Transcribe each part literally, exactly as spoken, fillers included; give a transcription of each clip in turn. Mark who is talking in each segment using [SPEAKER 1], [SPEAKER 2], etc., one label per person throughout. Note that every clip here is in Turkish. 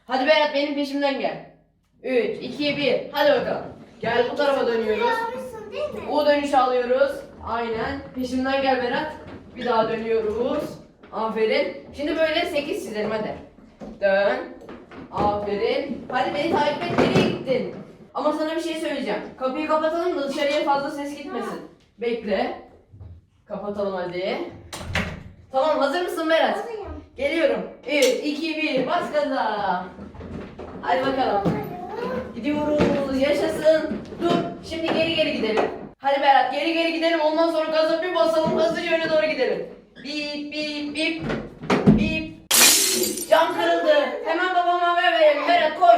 [SPEAKER 1] Hadi Berat benim peşimden gel. üç, iki, bir. Hadi bakalım. Gel bu tarafa dönüyoruz.
[SPEAKER 2] Almışsın değil mi?
[SPEAKER 1] U dönüş alıyoruz. Aynen. Peşimden gel Berat. Bir daha dönüyoruz. Aferin. Şimdi böyle sekiz çizelim hadi. Dön. Aferin. Hadi beni takip et. Nereye gittin? Ama sana bir şey söyleyeceğim. Kapıyı kapatalım da dışarıya fazla ses gitmesin. Bekle. Kapatalım hadi. Tamam, hazır mısın Berat?
[SPEAKER 2] Hazırım.
[SPEAKER 1] Geliyorum. üç, iki, bir. Bas gaza. Hadi bakalım. Gidiyoruz. Yaşasın. Dur. Şimdi geri geri gidelim. Hadi Berat geri geri gidelim. Ondan sonra gaza bir basalım. Hızlıca öne doğru gidelim. Bip bip bip. Bip. Cam kırıldı. Hemen babama haber verelim. Berat koş.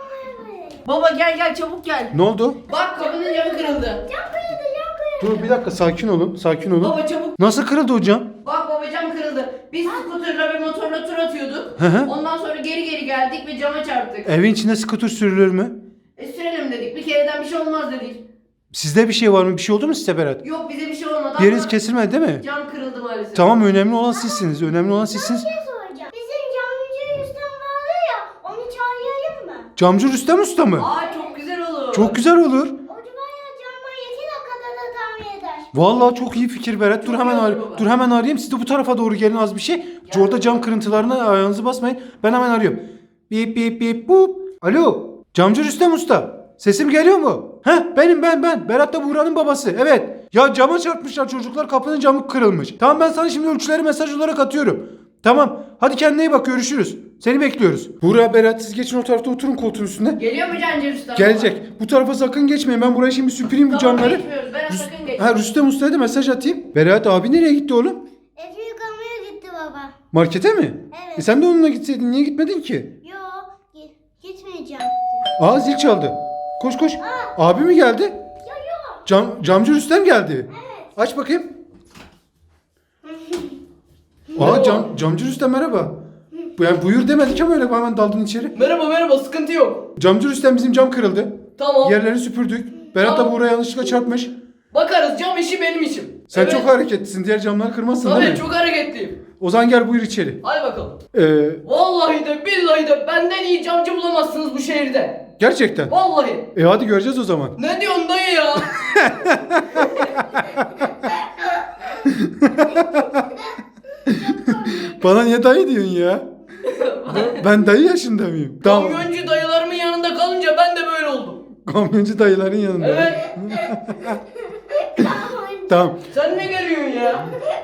[SPEAKER 1] Baba gel gel çabuk gel.
[SPEAKER 3] Ne oldu?
[SPEAKER 1] Bak kapının camı kırıldı.
[SPEAKER 2] Cam kırıldı, cam kırıldı.
[SPEAKER 3] Dur bir dakika, sakin olun. Sakin olun.
[SPEAKER 1] Baba çabuk.
[SPEAKER 3] Nasıl kırıldı hocam?
[SPEAKER 1] Bak baba cam kırıldı. Biz skuterla ve motorla tur atıyorduk.
[SPEAKER 3] Hı hı.
[SPEAKER 1] Ondan sonra geri geri geldik ve cama çarptık.
[SPEAKER 3] Evin içinde skuter sürülür mü?
[SPEAKER 1] E sürelim dedik. Bir kereden bir şey olmaz dedik.
[SPEAKER 3] Sizde bir şey var mı? Bir şey oldu mu size Berat?
[SPEAKER 1] Yok bize bir şey olmadı
[SPEAKER 3] Bir yeriniz
[SPEAKER 1] ama
[SPEAKER 3] kesilmedi değil mi?
[SPEAKER 1] cam kırıldı maalesef.
[SPEAKER 3] Tamam, önemli olan sizsiniz. Önemli olan sizsiniz.
[SPEAKER 2] Bir şey soracağım. Bizim camcı Rüstem vardı ya, onu çağırayım mı?
[SPEAKER 3] Camcı Rüstem Usta mı?
[SPEAKER 1] Aa çok güzel olur.
[SPEAKER 3] Çok güzel olur.
[SPEAKER 2] O bayağı camdan iki dakikada da tamir eder.
[SPEAKER 3] Vallahi çok iyi fikir Berat. Dur
[SPEAKER 1] Çok
[SPEAKER 3] hemen
[SPEAKER 1] iyi olur
[SPEAKER 3] ar-
[SPEAKER 1] baba.
[SPEAKER 3] dur hemen arayayım. Siz de bu tarafa doğru gelin az bir şey. Orada cam kırıntılarına ayağınızı basmayın. Ben hemen arıyorum. Bip bip bip bup. Alo. Camcı Rüstem Usta. Sesim geliyor mu? Heh, benim ben ben. Berat da Buğra'nın babası. Evet. Ya cama çarpmışlar çocuklar. Kapının camı kırılmış. Tamam, ben sana şimdi ölçüleri mesaj olarak atıyorum. Tamam. Hadi kendine iyi bak, görüşürüz. Seni bekliyoruz. Buğra, Berat, siz geçin o tarafta, oturun koltuğun üstünde.
[SPEAKER 1] Geliyor mu Cancı Usta?
[SPEAKER 3] Gelecek. Bu tarafa sakın geçmeyin. Ben buraya şimdi süpüreyim bu
[SPEAKER 1] Tamam
[SPEAKER 3] camları.
[SPEAKER 1] geçmiyoruz. Berat
[SPEAKER 3] Rüst-
[SPEAKER 1] sakın geç.
[SPEAKER 3] ha, Rüstem Usta'ya da mesaj atayım. Berat abi nereye gitti oğlum?
[SPEAKER 2] Evi yıkamaya gitti baba.
[SPEAKER 3] Markete mi?
[SPEAKER 2] Evet.
[SPEAKER 3] E sen de onunla gitseydin. Niye gitmedin ki?
[SPEAKER 2] Yo, gi- gitmeyeceğim.
[SPEAKER 3] Aa, zil çaldı. Koş koş. Abi mi geldi?
[SPEAKER 2] Yo yo.
[SPEAKER 3] Cam, camcı Rüstem geldi.
[SPEAKER 2] Evet.
[SPEAKER 3] Aç bakayım. Aa, cam, camcı Rüstem merhaba. Bu- Yani buyur demedik ama öyle hemen daldın içeri.
[SPEAKER 1] Merhaba merhaba sıkıntı yok.
[SPEAKER 3] Camcı Rüstem, bizim cam kırıldı.
[SPEAKER 1] Tamam.
[SPEAKER 3] Yerleri süpürdük. Berat da
[SPEAKER 1] Tamam.
[SPEAKER 3] buraya yanlışlıkla çarpmış.
[SPEAKER 1] Bakarız, cam işi benim işim.
[SPEAKER 3] Sen
[SPEAKER 1] Evet.
[SPEAKER 3] çok hareketlisin. Diğer camları kırmazsın değil
[SPEAKER 1] Tabii
[SPEAKER 3] mi?
[SPEAKER 1] çok hareketliyim.
[SPEAKER 3] O zaman gel buyur içeri.
[SPEAKER 1] Hadi bakalım.
[SPEAKER 3] Ee,
[SPEAKER 1] Vallahi de billahi de benden iyi camcı bulamazsınız bu şehirde.
[SPEAKER 3] gerçekten.
[SPEAKER 1] Vallahi.
[SPEAKER 3] E hadi göreceğiz o zaman.
[SPEAKER 1] Ne diyorsun dayı ya?
[SPEAKER 3] Bana niye dayı diyorsun ya? Ben- Ben dayı yaşında mıyım? Tamam.
[SPEAKER 1] Kamyoncu dayılarımın yanında kalınca ben de böyle oldum.
[SPEAKER 3] Kamyoncu dayıların yanında.
[SPEAKER 1] Evet.
[SPEAKER 3] Tamam.
[SPEAKER 1] Sen ne geliyorsun ya?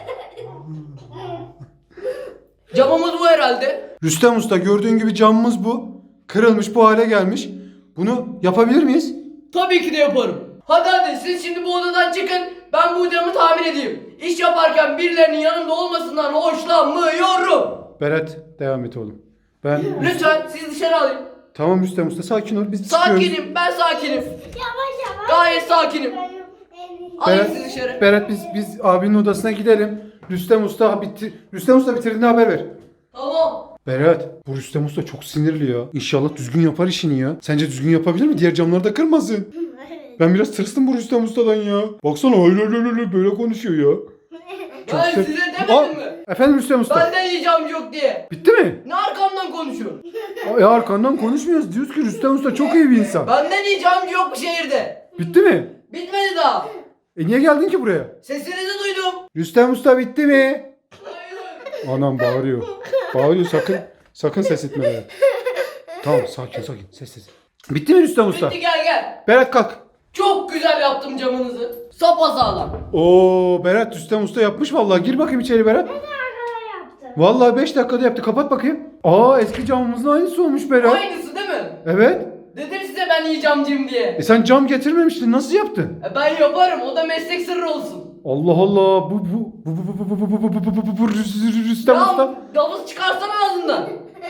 [SPEAKER 1] Camımız bu herhalde.
[SPEAKER 3] Rüstem Usta, gördüğün gibi camımız bu. Kırılmış, bu hale gelmiş. Bunu yapabilir miyiz?
[SPEAKER 1] Tabii ki de yaparım. Hadi hadi siz şimdi bu odadan çıkın. Ben bu camı tamir edeyim. İş yaparken birilerinin yanımda olmasından hoşlanmıyorum.
[SPEAKER 3] Berat, devam et oğlum. Ben...
[SPEAKER 1] Lütfen siz dışarı alayım.
[SPEAKER 3] Tamam Rüstem Usta, sakin ol. Biz çıkıyoruz.
[SPEAKER 1] Sakinim, ben sakinim.
[SPEAKER 2] Yavaş yavaş.
[SPEAKER 1] Gayet sakinim. Alayım
[SPEAKER 3] Berat,
[SPEAKER 1] sizi dışarı.
[SPEAKER 3] Berat biz biz abinin odasına gidelim. Rüstem Usta bitti. Rüstem Usta bitirdiğinde haber ver.
[SPEAKER 1] Tamam.
[SPEAKER 3] Berat, bu Rüstem Usta çok sinirli ya. İnşallah düzgün yapar işini ya. Sence düzgün yapabilir mi? Diğer camları da kırmasın. Ben biraz tırstım bu Rüstem Usta'dan ya. Baksana öyle öyle öyle böyle konuşuyor ya. Çok
[SPEAKER 1] Ben
[SPEAKER 3] sert.
[SPEAKER 1] size
[SPEAKER 3] Aa,
[SPEAKER 1] demedim mi?
[SPEAKER 3] efendim Rüstem Usta.
[SPEAKER 1] Benden iyi camcı yok diye.
[SPEAKER 3] Bitti mi?
[SPEAKER 1] Ne arkamdan konuşuyorsun?
[SPEAKER 3] Ya arkandan konuşmuyoruz. Diyoruz ki Rüstem Usta çok iyi bir insan.
[SPEAKER 1] Benden iyi camcı yok bu şehirde.
[SPEAKER 3] Bitti mi?
[SPEAKER 1] Bitmedi daha.
[SPEAKER 3] E niye geldin ki buraya?
[SPEAKER 1] Sesinizi duydum.
[SPEAKER 3] Rüstem Usta bitti mi? Anam bağırıyor. Bağırıyor, sakın. Sakın ses etme bana. Tamam, sakin sakin. Sessiz. Bitti mi Rüstem Usta?
[SPEAKER 1] Bitti gel gel.
[SPEAKER 3] Berat kalk.
[SPEAKER 1] Çok güzel yaptım camınızı. Sapasağlam.
[SPEAKER 3] Oo, Berat Rüstem Usta yapmış vallahi. Gir bakayım içeri Berat.
[SPEAKER 2] Arkada yaptım.
[SPEAKER 3] Vallahi beş dakikada yaptı. Kapat bakayım. Aa, eski camımızın aynısı olmuş Berat.
[SPEAKER 1] Aynısı değil mi?
[SPEAKER 3] Evet.
[SPEAKER 1] Dedim size ben iyi camcıyım diye.
[SPEAKER 3] E sen cam getirmemiştin. Nasıl yaptın?
[SPEAKER 1] E ben yaparım. O da meslek sırrı olsun.
[SPEAKER 3] Allah Allah. Bu bu bu bu bu bu bu bu bu bu bu bu bu Rüs- Rüstem Usta.
[SPEAKER 1] Ya davul çıkarsana ağzından.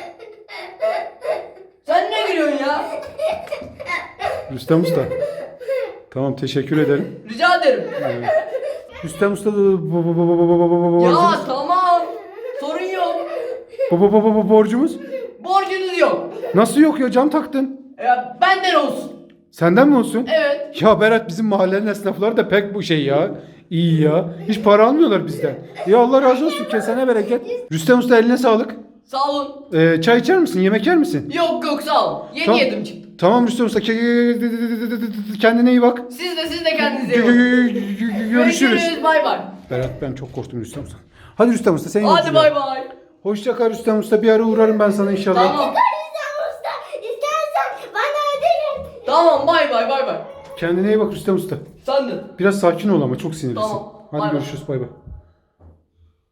[SPEAKER 1] Sen ne gülüyorsun ya?
[SPEAKER 3] Rüstem Usta. Tamam, teşekkür ederim.
[SPEAKER 1] Rica ederim.
[SPEAKER 3] Rüstem Usta da bu bu bu bu bu bu bu bu bu
[SPEAKER 1] Ya
[SPEAKER 3] borcumuz.
[SPEAKER 1] tamam. Sorun yok.
[SPEAKER 3] Bu bu bu bu bu borcumuz.
[SPEAKER 1] Borcunuz yok.
[SPEAKER 3] Nasıl yok ya, cam taktın.
[SPEAKER 1] Ya benden olsun.
[SPEAKER 3] Senden mi olsun?
[SPEAKER 1] Evet.
[SPEAKER 3] Ya Berat, bizim mahallenin esnafları da pek bu şey ya. İyi ya. Hiç para almıyorlar bizden. Ya Allah razı olsun, kesene bereket. Rüstem Usta, eline sağlık.
[SPEAKER 1] Sağ olun.
[SPEAKER 3] Ee, çay içer misin? Yemek yer misin?
[SPEAKER 1] Yok yok sağ olun. Yeni
[SPEAKER 3] Tamam.
[SPEAKER 1] yedim çıktım.
[SPEAKER 3] Tamam Rüstem Usta. Kendine iyi bak.
[SPEAKER 1] Siz de siz de kendinize iyi bakın.
[SPEAKER 3] Görüşürüz.
[SPEAKER 1] Bay bay.
[SPEAKER 3] Berat ben çok korktum Rüstem Usta. Hadi Rüstem Usta sen
[SPEAKER 1] Hadi bay bay.
[SPEAKER 3] Hoşça kal Rüstem Usta. Bir ara uğrarım ben sana inşallah.
[SPEAKER 1] Tamam.
[SPEAKER 2] Rüstem Usta istersen bana ödül et.
[SPEAKER 1] Tamam bay bay bay bay.
[SPEAKER 3] Kendine iyi bak Rüstem Usta.
[SPEAKER 1] Sen de.
[SPEAKER 3] Biraz sakin ol ama çok sinirlisin.
[SPEAKER 1] Tamam,
[SPEAKER 3] Hadi
[SPEAKER 1] bay bay.
[SPEAKER 3] görüşürüz bay bay.